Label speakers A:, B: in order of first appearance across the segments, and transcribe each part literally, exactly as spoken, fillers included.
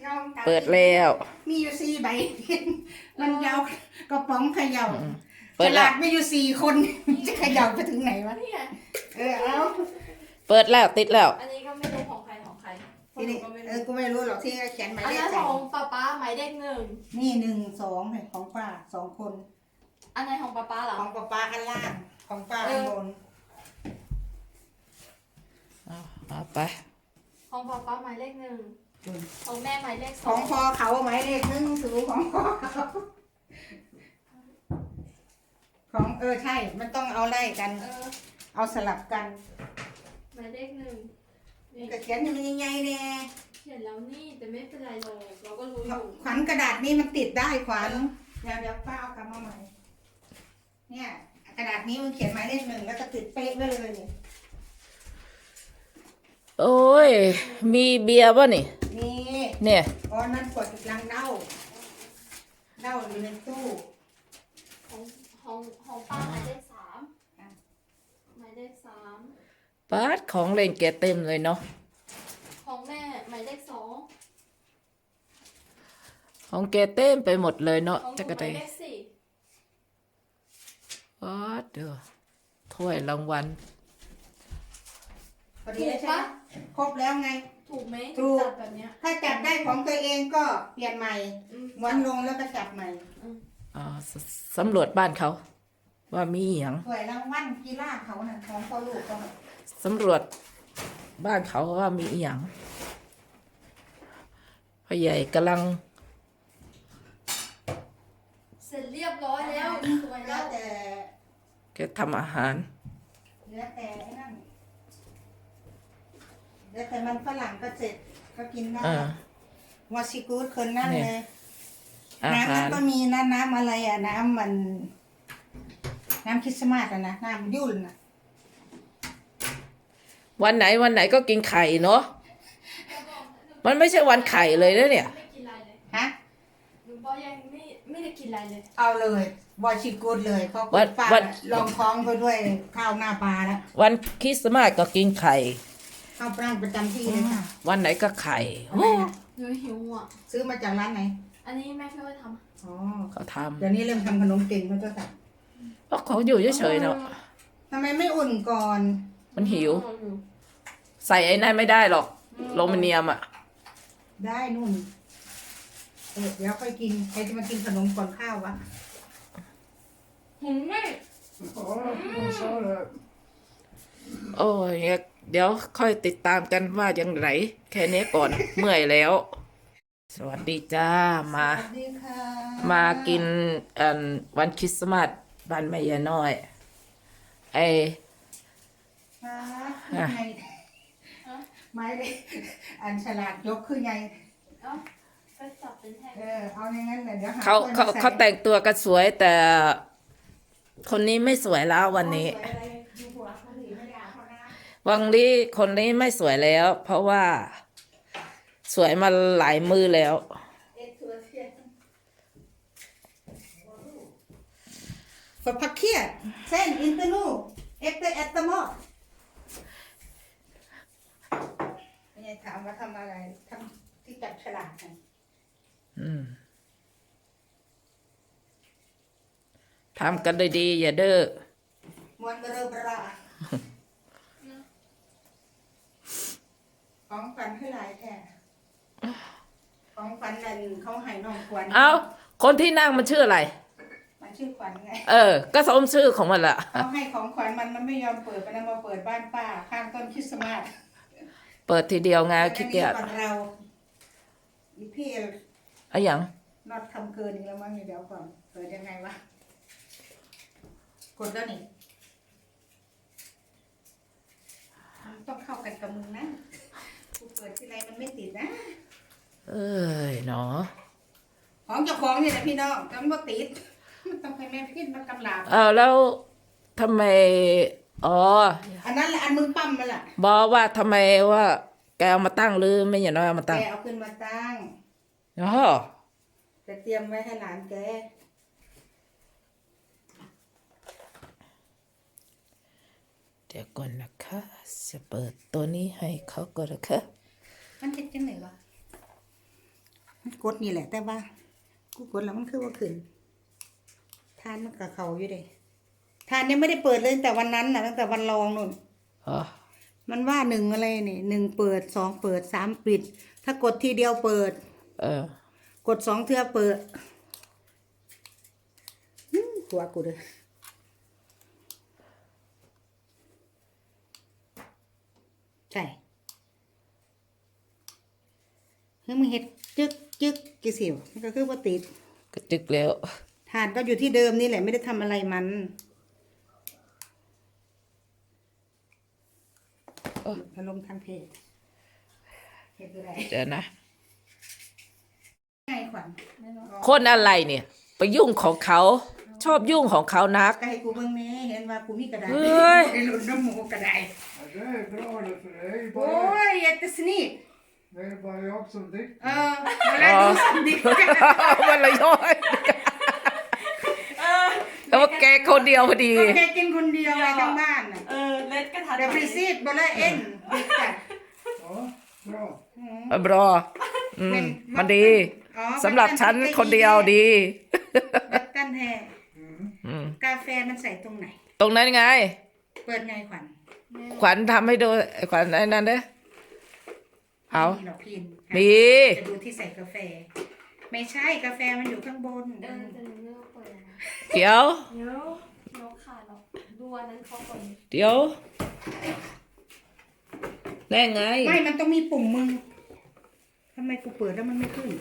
A: เปิดแล้ว
B: มีอยู่สี่ใบมันยาวกระป๋องเขย่า
A: เปิด
B: ฉ
A: แล้ว
B: ลาดไม่อยู่สี่คนจะเขย่าไปถึงไหนวะเออเอา
A: เปิดแล้วติดแล้ว
C: อันนี้ก็ไม่รู้ของใครของใคร
B: ทีนี้เออกูไม่รู้หรอกที่เขียนหมาย
C: อัน
B: เลข
C: นั้น
B: ใส่
C: ของป้าป้าหมายเลขหนึ่ง
B: นี่หนึ่งสองเนี่ยของป้าสองคน
C: อันไหนของป้าป้าเหรอ
B: ของป้าป้าอันล่างของป้าอันบน
A: เอาไป
C: ของป้าป้าหมายเลขหนึ่งของแม่หมายเลขส
B: ข
C: อ
B: อง งพ่อเขาหมายเลขหนึ่งสูงของพ่อเขาของเออใช่มันต้องเอาไล่กัน
C: เออ
B: เอาสลับกัน
C: หมายเลขหนึ่งนี่
B: กระเขียนมันยังไงเนี่ย
C: เขียนแล้วนี่แต่ไม่เป็นไรหรอกเราก็รู้อยู่
B: ขวัญกระดาษนี้มันติดได้ขวัญเดี๋ยวเดี๋ยวป้าเอากลับมาใหม่เนี่ยกระดาษนี้มันเขียนหมายเลขหนึ่งแล้วก็ติดเป๊ะไว้เลยเนี่ย
A: โอ้ยมีเบียร์ป่ะนี่
B: นี่
A: เนี่ย
B: อ๋อนั่นขวดลังเน่าเน่าอยู่ในตู้
C: ของของของป้าหมายเลขสามหมายเลขสาม
A: ปาดของเล่นแกเต็มเลยเนาะ
C: ของแม่หมายเลขสอง
A: ของแกเต็มไปหมดเลยเนาะ
C: ของห
A: จั
C: นู
A: กร
C: ห
A: เต
C: มายเลขสี่
A: ปาดเด้อถ้วยรางวัล
B: พอดีแล้วใช่ไหมครบแล้วไง
C: ถูกไหม
B: ถูก
C: จัดแบบเนี้ย
B: ถ้าจับได้ของตัวเองก็เปลี่ยนใหม่
C: อืม
B: ม้วนลงแล้วก็จับใหม่
A: อ่าสสำรวจบ้านเขา ว่ามีอหย่าง
B: สวยรางวัลกีฬาเขาน่ะของพ่อลูกเขาน่ะ
A: สำรวจบ้านเขาว่ามีอหย่างพ่อใหญ่กำลัง
C: เสร็จเรียบร้อยแล้วสวย
B: แล้
C: แล้ว ว
B: แต่
A: แกทำอาหาร
B: แล้วแต่ไอ้นั่นแล้วแต่มันฝรั่งก็เสร็จก็กินได้
A: อ่า
B: วาซิกูดคนนั่น
A: เนี่
B: เลย ย
A: อา
B: น้ำ
A: หา
B: นั้น
A: ร
B: ก็มีนะน้ำอะไรอ่ะน้ำมัน น้ำคริสต์มาสอะนะน้ำยุ่นนะ
A: วันไหนวันไหนก็กินไข่เนาะมันไม่ใช่วันไข่เลยนะเนี่ย
C: ไม่กินอะไรเลย
B: ฮะ
C: หนูบอกยังไม่ไม่ได้กินอะไรเลย
B: เอาเลยวาซิกูดเลยเขา
A: วัน
B: ป้า
A: วัน
B: ลองท้องไปด้วยข้าวหน้าปลาแล้ว
A: วันคริสต์มาสก็กินไข่
B: ข้าวปลาประจำที่เลยค่ะ
A: วันไหนก็ไข่
B: ทำไมนะ
C: หนูหิวอ่ะ
B: ซื้อมาจากร้านไหน
C: อันนี้แม่พี่ว่าท
B: อ๋อ
A: เขาท
B: เดี๋ยวนี้เริ่มทำขนมเก่งแล้วเจ้าค่ะ
A: ำเพราะเขาอยู่เฉยๆเนาะ
B: ทำไมไม่อุ่นก่อน
C: ำ
A: มันหิว
C: อืม
A: ใส่ไอ้นั่นไม่ได้หรอกโลมิเนียมอ่ะ
B: ได้นุ่นเออเดี๋ยวค่อยกินใครจะมากินขนมก่อนข้าววะ
C: หืมไม่
B: โอ้ไม่ชอบเลย
A: โอ้ยเดี๋ยวค่อยติดตามกันว่ายังไงแค่นี้ก่อน เมื่อยแล้ว สวัสดีจ้ามา
B: สวัสดีค่ะ
A: มากินอันวันคริสต์มาสบ้านแม่ยายน้อย ไอ
B: มาคือไงไม่ได้อันฉลาดยกคือไง
C: เอ้าก็จับเป็นแท่ง
B: เออเอาอย่างนั้นเลยเดี๋ยวหา
A: เขา
B: คน
A: เขา
B: มใส่
A: เขาแต่งตัวกันสวยแต่ คนนี้ไม่สวยแล้ววันนี้
B: สวยอะไรอยู่หัวเขาหรือไม่ได้เอาเขานะ
A: วันนี้คนนี้ไม่สวยแล้ว เพราะว่า สวยมาหลายมือแล้ว
B: เอ็ดตัวเทียนฝาพักเคียเส้นอินเตอร์นูเอ็กเตอร์แอตตมอไม่ใช่ถามว่าทำอะไรทำที่จับฉลากไง
A: อืมทำกันดีๆอย่าเด้อ
B: มวนเบอร์บราของฝันให้หลายแท้ของฝันนั่นเขาให้น้องขวัญ
A: เอาคนที่นั่งมันชื่ออะไร
B: มันชื่อขวัญไง
A: เออ ก็สมชื่อของมันละ
B: เขาให้ของขวัญมันมันไม่ยอมเปิดมันเอามาเปิดบ้านป้าข้างต้นคริสต์มาส
A: เปิดทีเดียวไงขี้เกียจ
B: อันนี้ก่อนเราอีพี่
A: อะหยัง
B: นอดทำเกินอีกแล้วมั้งเดี๋ยวก่อนเปิดยังไงวะกดแล้วนี่มันต้องเข้ากันกับมึงนะกูเปิดที่ไรมันไม่ติดนะ
A: เอ้ยเนาะ
B: ของเจ้าของนี่แหละพี่น้องแต่มันบ่ติดมันต้องให้แม่พี่มากำลาบ
A: เอาแล้วทำไม อ๋อ
B: อันนั้นแหละอันมึงปั้มมันแหละ
A: บอกว่าทำไมว่าแกเอามาตั้งหรือไม่อย่างน้อยเอามา
B: แก
A: ตั้ง
B: เอาขึ้นมาตั้ง
A: อ๋อ
B: จะเตรียมไว้ให้หลานแก
A: เดี๋ยวก่อนนะคะจะเปิดตัวนี้ให้เขาก่อนนะคะ
B: มันติดจังไหนวะกดนี่แหละ แต่ว่ากูกดแล้วมันคือว่าขึ้นทานมันกับเขาอยู่เด้ทานยังไม่ได้เปิดเลยตั้งแต่วันนั้นนะตั้งแต่วันลองนู่น
A: อ๋อ
B: มันว่าหนึ่งอะไรนี่หนึ่งเปิดสองเปิดสามปิด ถ้ากดทีเดียวเปิด
A: เออ
B: กดสองเทื่อเปิดหืมกลัวกูเลยใช่เฮ้ยมึงเห็ดจึกจึกกี่สิวมันก็คือว่าติด
A: กระจึกแล้ว
B: ฐานก็อยู่ที่เดิมนี่แหละไม่ได้ทำอะไรมันพัดลมทางเพจเห็ดอะไร
A: เดี๋ยวนะ
B: ไงขวัญ
A: คนอะไรเนี่ย ไปยุ่งของเขา ชอบยุ่งของเขานัก
B: ก็ให้กูเบิ่งแหน่เห็นว่ากูมีกระดาษ
A: เฮ้ย
B: ไอ้หลุดน้ำหมูกระดาษ
D: Ja, det är bra det för dig.
B: โอ้ยjättesnyggt
D: Det är bara jag som dricker.
B: เออมาแล้วดูสันดิ
A: วันละย้อย
B: เออ
A: แล้วว่าแกคนเดียวพอดี
B: ก็แค่กินคนเดียวไว้ทั้งบ้านน่ะ
C: เออเล็ดกระทัน
B: เดี๋ยวพรีซีดบลเอ็นดิกจ้ะ
D: Ja, bra.
A: บรออืมมันดี
B: อ๋อ
A: สำหรับฉันคนเดียวดี
B: วัดกันแท้
A: อืม
B: กาแฟมันใส่ตรงไหน
A: ตรงนั้นไง
B: เปิดไงขวัญ
A: ขวัญทำให้ดูไอ้ขวัญไอ้นั่นเด้อเอา
B: มีหรอกพิน
A: มี
B: จะดูที่ใส่กาแฟ ไม่ใช่กาแฟมันอยู่ข้างบน
C: เออจะหนูเลือกเปิดนะ
A: เดี๋ยว
C: เดี๋ยวน้องขาดหรอกดูอันนั้นเขาก่อน
A: เดี๋ยวแน่ไง
B: ไม่มันต้องมีปุ่มมึงทำไมกูเปิดแล้วมันไม่ขึ้น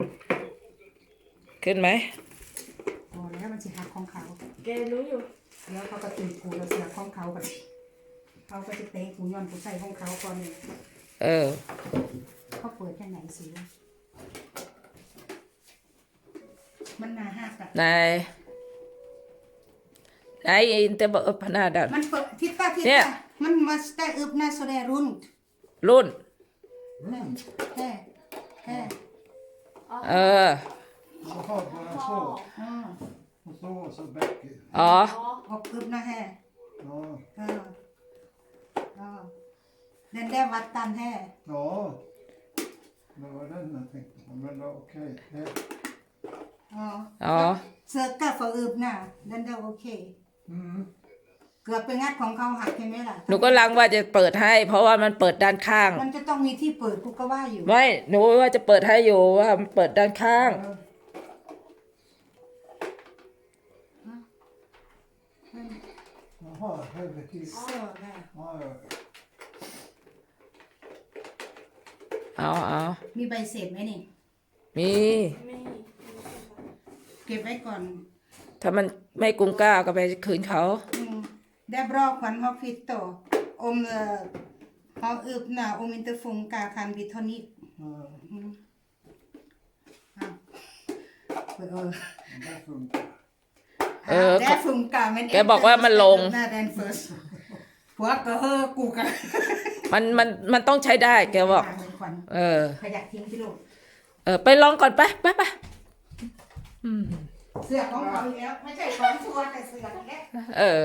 A: ขึ้นไหม
B: พอแล้วมันสิหักของเขา
C: แกรู้อยู่
B: แล้วเขาก็ตีกูแล้วเสือกของเขากันเขาก็จะเตะกูย้อนกูใส่ของเขาก่อนเลย
A: เออ
B: เขาเปิดแค่ไหนสิมันหนาหักอะ
A: นายนายอินเตอร์บอกพนาดัน
B: มันเปิดทิศตาทิศ
A: เนี่ย
B: ตามันมาสเตอึบนาโซเดรุน
A: รุ่น
B: แฮ่แฮ่
A: เออ
D: Jaha, bara så.
B: อ๋อ
D: Och så, och så bäcker.
A: อ๋อ
C: อ๋อ
B: ออกอึบนะแฮ่
D: Ja,
B: เออเออเดินได้วัดตันแฮ่
D: ja. Det var den jag tänkte på. Men det var okej. Det,
B: อ๋อ
A: อ๋อ
B: เสือกกะฝอึบน่ะเดินได้โอเค
D: mm.
B: เกือบไปงัดของเขาหักใช่ไหมล่ะ
A: หนูก็ลังว่าจะเปิดให้ เพราะว่ามันเปิดด้านข้าง
B: มันจะต้องมีที่เปิดกูก็ว่าอยู่
A: ไม่หนูว่าจะเปิดให้อยู่ว่ามันเปิดด้านข้าง
D: Jaha, helvete.
B: เสื้อได้
D: Ja, ja.
A: เอาเอา
B: มีใบเสร็จไหมนี่
A: มี
C: ไม่
B: เก็บไว้ก่อน
A: ถ้ามันไม่กุ้งกล้าก็ไปคืนเขา
B: อืมได้บรอกขวัญฮอกฟิตโตอมเอ่อฮอกอึบน่ะอมอินเตอร์ฟงกาคันบิทอนิก
D: ja.
B: อืมอ้าวเออ
D: Det funkar.
A: เออ
B: ได้ฟุงกามัน
A: แกบอกว่ามันลง
B: หน้าแดนเฟิร์สหัวก็เฮอกูกัน
A: มันมันมันต้องใช้ได้แกบอก
B: ขวัญ
A: เออ
B: ขยะทิ้งที่ลูก
A: เออ ไปลองก่อนไปไปไปอืม
B: เสื้อของเขาอีกแล้ว ไม่ใช่ของชัวร์แต่เสื้ออีกแล้ว
A: เออ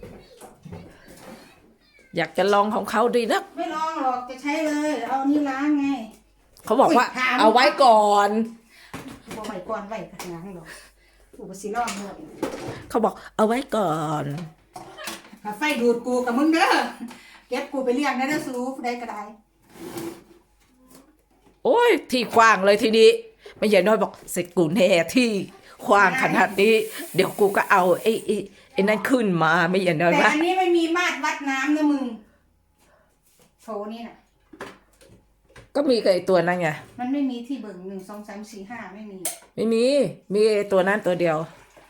A: อยากจะลองของเขาดีนะ
B: ไม่ลองหรอกจะใช้เลย เอานี่ล้างไง
A: เขาบอกว่า
B: อุ๊ยถาม
A: เอาไว้ก่อน
B: บอกไว้ก่อนไว้กระถางหรอกกูก็สิลองหมด
A: เขาบอกเอาไว้ก่อน
B: ถ้าไฟดูดกูกับมึงเด้อเก็บกูไปเลี้ยงนะเด้อสูได้ก็ได้
A: โอ้ย ที่กว้างเลยทีนี้ ไม่ใช่น้อยบอกเสร็จกูแน่ที่กว้างขนาดนี้ เดี๋ยวกูก็เอาไอ้ไอ้ไอ้นั่นขึ้นมาไม่ใช่น้อย
B: แต่
A: ว่า
B: อันนี้ไม่มีมาตรวัดน้ำนะมึงโถนี่น่ะ
A: ก็มีกับไอ้ตัวนั้นไง
B: มันไม่มีที่เบิ่งหนึ่งสองสามสี่ห้าไม่มี
A: ไม่มี มีไอ้ตัวนั้นตัวเดียว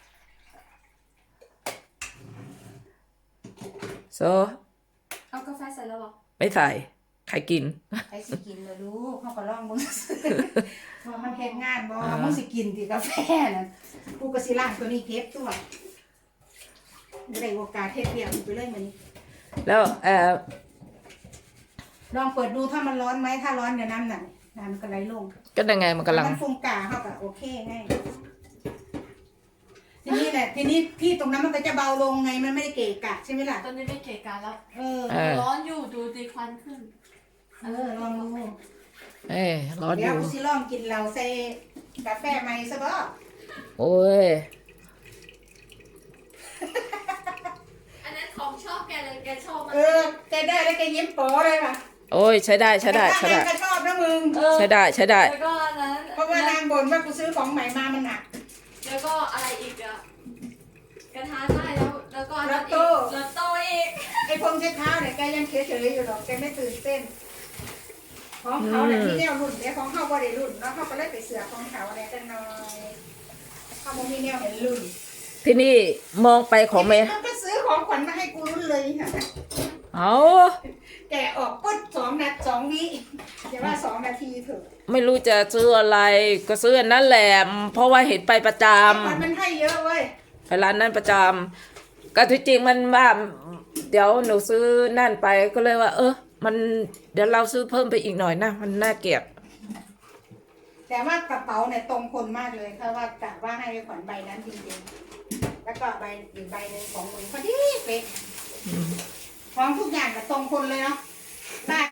A: โซ
C: เอากาแฟใส่แล้วเหรอ
A: ไม่ใส่ใครกิน
B: ไอ้สิกินเลยลูกเขาก็ลองมึง ว่ามันเฮ็ดงานบ่มึงสิกินที่กาแฟน่ะกูก็สิล้างตัวนี้เก็บตัวได้โอกาสเฮ็ดเรียกไปเลยมื้อนี้
A: แล้วเออ
B: ลองเปิดดูถ้ามันร้อนไหมถ้าร้อนเดี๋ยวน้ำหนักน้ำมันก็ไหลลง
A: ก็ยังไงมันกำลัง
B: มันฟงกาเขาก็โอเคไงทีนี้แหละทีนี้ที่ตรงนั้นมันก็จะเบาลงไงมันไม่ได้เกะกะใช่ไหมล่ะ
C: ตอนนี้ไม่เกะกะแล้ว
B: เออ
A: เออ
C: ร้อนอยู่ดูดีควันขึ้น
B: เออลองดู
A: เอ้ยร้อนอ
B: เดี๋ยว
A: ยู่
B: กูสิลองกินเหล้าใส่กาแฟใหม่ซะบ่
A: โอ้ย
C: อันนั้นของชอบแกเลยแกชอบมัน
B: เออแกได้แล้วแกยิ้มโป๋เลยป่ะ
A: โอ้ยใช้ได้ใช้ได้ใช้ได้
B: แต่ถ้านางก็ชอบนะมึง
C: เออ
A: ใช้ได้ใช้ได้
C: แล้วก็อันนั้น
B: เพราะว่านางบ่นว่ากูซื้อของใหม่มามันหนัก
C: แล้วก็อะไรอีกอะกระทะได้แล้วแล้วก็อัน
B: ลอ
C: นั้น
B: ต
C: อี
B: โต้
C: กลอตโต้อีก
B: ไอ้พงเช็ดเท้าเนี่ยแกยังเฉยๆอยู่หรอกแกไม่ตื่นเต้น ของเขาเนี่ยมีแนวรุ่นเนี่ยของเขาบ่ได้รุ่นแล้วเขาก็เลยไปเสือของเขาเนี่ยกันหน่อยเขาบ่มีแนวเห็นรุ่น
A: ที่นี่มองไปของแม่
B: มันก็ซื้อของขวัญมาให้กูรุ่นเลยค่ะ
A: เอา
B: แกะออกปุ๊บสองนาทีสองวิอย่าว่าสองนาทีเถอะ
A: ไม่รู้จะซื้ออะไรก็ซื้ออันนั่นแหละเพราะว่าเห็นไปประจ
B: ของขวัญมันให้เยอะเว้ย
A: ำไปร้านนั้นประจำก็ที่จริงมันว่าเดี๋ยวหนูซื้อนั่นไปก็เลยว่า เออมันเดี๋ยวเราซื้อเพิ่มไปอีกหน่อยนะมันน่าเกลียด
B: แต่ว่ากระเป๋าเนี่ยตรงคนมากเลยเพราะว่ากะว่าให้ขวัญใบนั้นจริงๆแล้วก็ใบอีกใบหนึ่งของมึงพอดีเป๊ะของทุกอย่างกับตรงคนเลยเนาะได้